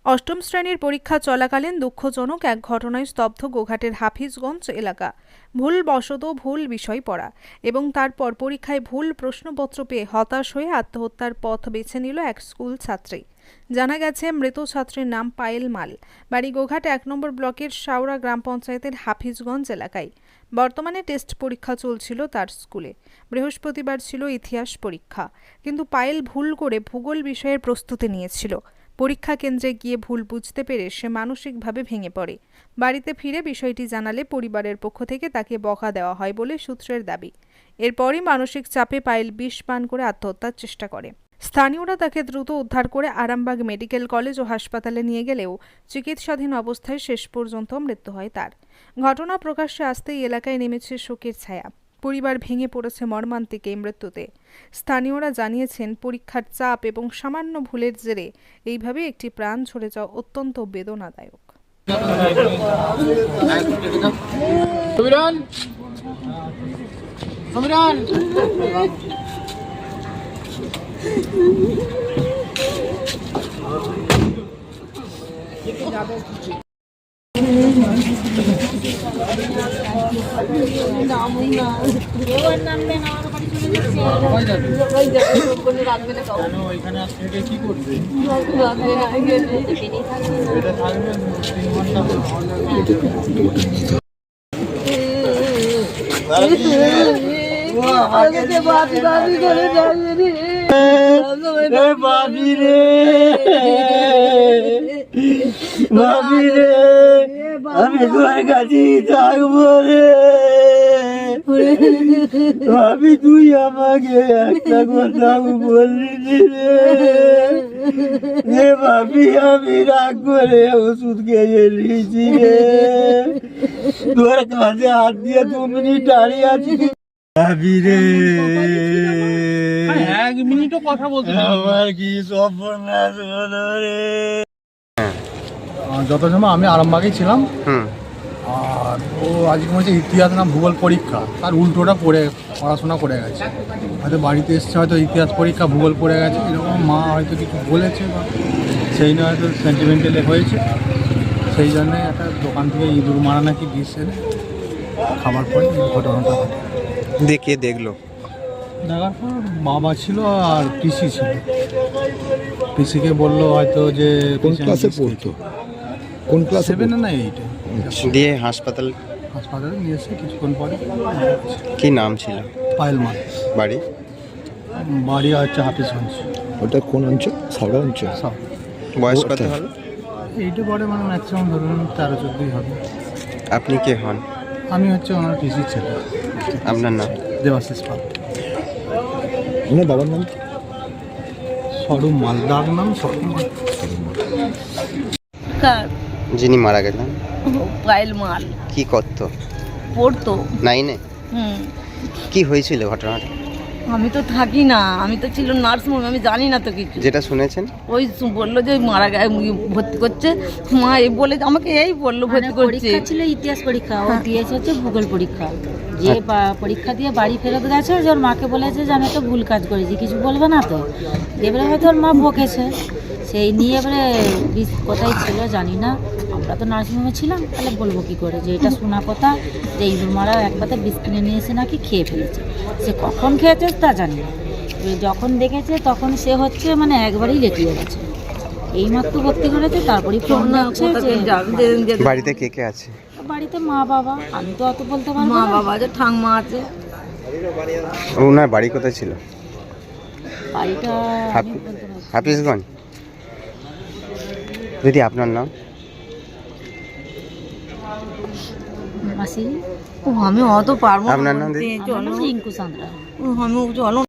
অষ্টম শ্রেণীর পরীক্ষা চলাকালীন দুঃখজনক এক ঘটনায় স্তব্ধ গোঘাটের হাফিজগঞ্জ এলাকা। ভুলবশত ভুল বিষয় পড়া এবং তারপর পরীক্ষায় ভুল প্রশ্নপত্র পেয়ে হতাশ হয়ে আত্মহত্যার পথ বেছে নিল এক স্কুল ছাত্রী। জানা গেছে, মৃত ছাত্রীর নাম পায়েল মাল, বাড়ি গোঘাট ১ নম্বর ব্লকের শাওড়া গ্রাম পঞ্চায়েতের হাফিজগঞ্জ এলাকায়। বর্তমানে টেস্ট পরীক্ষা চলছিল তার স্কুলে। বৃহস্পতিবার ছিল ইতিহাস পরীক্ষা, কিন্তু পায়েল ভুল করে ভূগোল বিষয়ের প্রস্তুতি নিয়েছিল। পরীক্ষা কেন্দ্রে গিয়ে ভুল বুঝতে পেরে সে মানসিকভাবে ভেঙে পড়ে। বাড়িতে ফিরে বিষয়টি জানালে পরিবারের পক্ষ থেকে তাকে বকা দেওয়া হয় বলে সূত্রের দাবি। এরপরই মানসিক চাপে পায়েল বিষ পান করে আত্মহত্যার চেষ্টা করে। স্থানীয়রা তাকে দ্রুত উদ্ধার করে আরামবাগ মেডিকেল কলেজ ও হাসপাতালে নিয়ে গেলেও চিকিৎসাধীন অবস্থায় শেষ পর্যন্ত মৃত্যু হয় তার। ঘটনা প্রকাশ্যে আসতেই এলাকায় নেমেছে শোকের ছায়া। পরিবার ভেঙে পড়েছে মর্মান্তিক এই মৃত্যুতে। স্থানীয়রা জানিয়েছেন, পরীক্ষার চাপ এবং সামান্য ভুলের জেরে এইভাবে একটি প্রাণ ঝরে যাওয়া অত্যন্ত বেদনাদায়ক। আমি তোর কাছে থাকবো রে ভাবি, তুই আমাকে একটা কথা বললি রে ভাবি, আমি রাগ করে ওষুধ খেয়ে নিয়েছি রে। তোর কাছে হাত দিয়ে 2 মিনিট দাঁড়িয়ে আছি ভাবি রে, 1 মিনিটও কথা বলতে আমার কি সর্বনাশ হলো রে। যত সময় আমি আরামবাগেই ছিলাম, আর ও আজকে হচ্ছে ইতিহাস না ভূগোল পরীক্ষা, তার উল্টোটা পড়াশোনা করে গেছে। হয়তো বাড়িতে এসছে, হয়তো ইতিহাস পরীক্ষা ভূগোল পড়ে গেছে, এরকম মা হয়তো কিছু বলেছে বা সেই নিয়ে হয়তো সেন্টিমেন্টালে হয়েছে। সেই জন্যে একটা দোকান থেকে ইঁদুর মারা নাকি বিষ এনে খাবার পরে ঘটনাটা ঘটে। দেখে দেখলো, দেখার পর বাবা ছিল আর পিসি ছিল। পিসিকে বললো হয়তো যে কোন ক্লাসে পড়তো, কোন ক্লাসে 7 না 8 দিয়ে হাসপাতালে নিয়ে এসে কিছুক্ষণ পরে। কি নাম ছিল? পায়েল মাল। বাড়ি হচ্ছে হাফিজগঞ্জ। ওটা কোন অঞ্চল? সাউরা অঞ্চল। সব বয়স কত হবে? এইটা পরে মানে ম্যাক্সিমাম ধরুন 13-14 হবে। আপনি কে হন? আমি হচ্ছে ওনার পিসির ছেলে। আপনার নাম? দেবাশিস পাল। ওনার বাবার নাম? সরু মালদার নাম সরু মাল। যিনি মারা গেলেন পায়েল মাল কি করতো? পড়তো। 9-এ? কি হয়েছিল ঘটনাটা? আমি তো থাকি না, আমি তো ছিল নার্সিংহোমে, আমি জানি না তো কিছু। যেটা শুনেছেন ওই বললো যে মারা ভর্তি করছে, মা এই বলে আমাকে এই বললো ভর্তি করছে। পরীক্ষা ছিল ইতিহাস পরীক্ষা, ও দিয়েছে হচ্ছে ভূগোল পরীক্ষা। যে পরীক্ষা দিয়ে বাড়ি ফেরত গেছে, যে ওর মাকে বলেছে যে আমি একটা ভুল কাজ করেছি, কিছু বলবে না তো। এবারে হয়তো ওর মা বকেছে, সেই নিয়ে এবারে কোথায় ছিল জানি না। আমরা তো নার্সিংহোমে ছিলাম, তাহলে বলবো কী করে যে এটা শোনা কথা যে ইঁদুর মারা একবারে বিষ কিনে নিয়ে এসে নাকি খেয়ে ফেলেছে। সে কখন খেয়েছে তা জানি না। যখন দেখেছে তখন সে হচ্ছে মানে একবারেই লেটিয়ে গেছে। এইমাত্র ভর্তি করেছে, তারপরেই ফোন আসছে যে বাড়িতে কে কে আছে? বাড়িতে মা বাবা, আমি তো অত বলতে পারবো মা না। বাবা আছে, ঠাংমা আছে। ওনার বাড়ি কোথায় ছিল? বাড়িটা হাফিজগঞ্জ। দিদি আপনার নাম? মাসি। আমি অত পারবো না। আপনার নাম দিদি? আমার নাম রিঙ্কু সান্দ্রা। আমি চলো।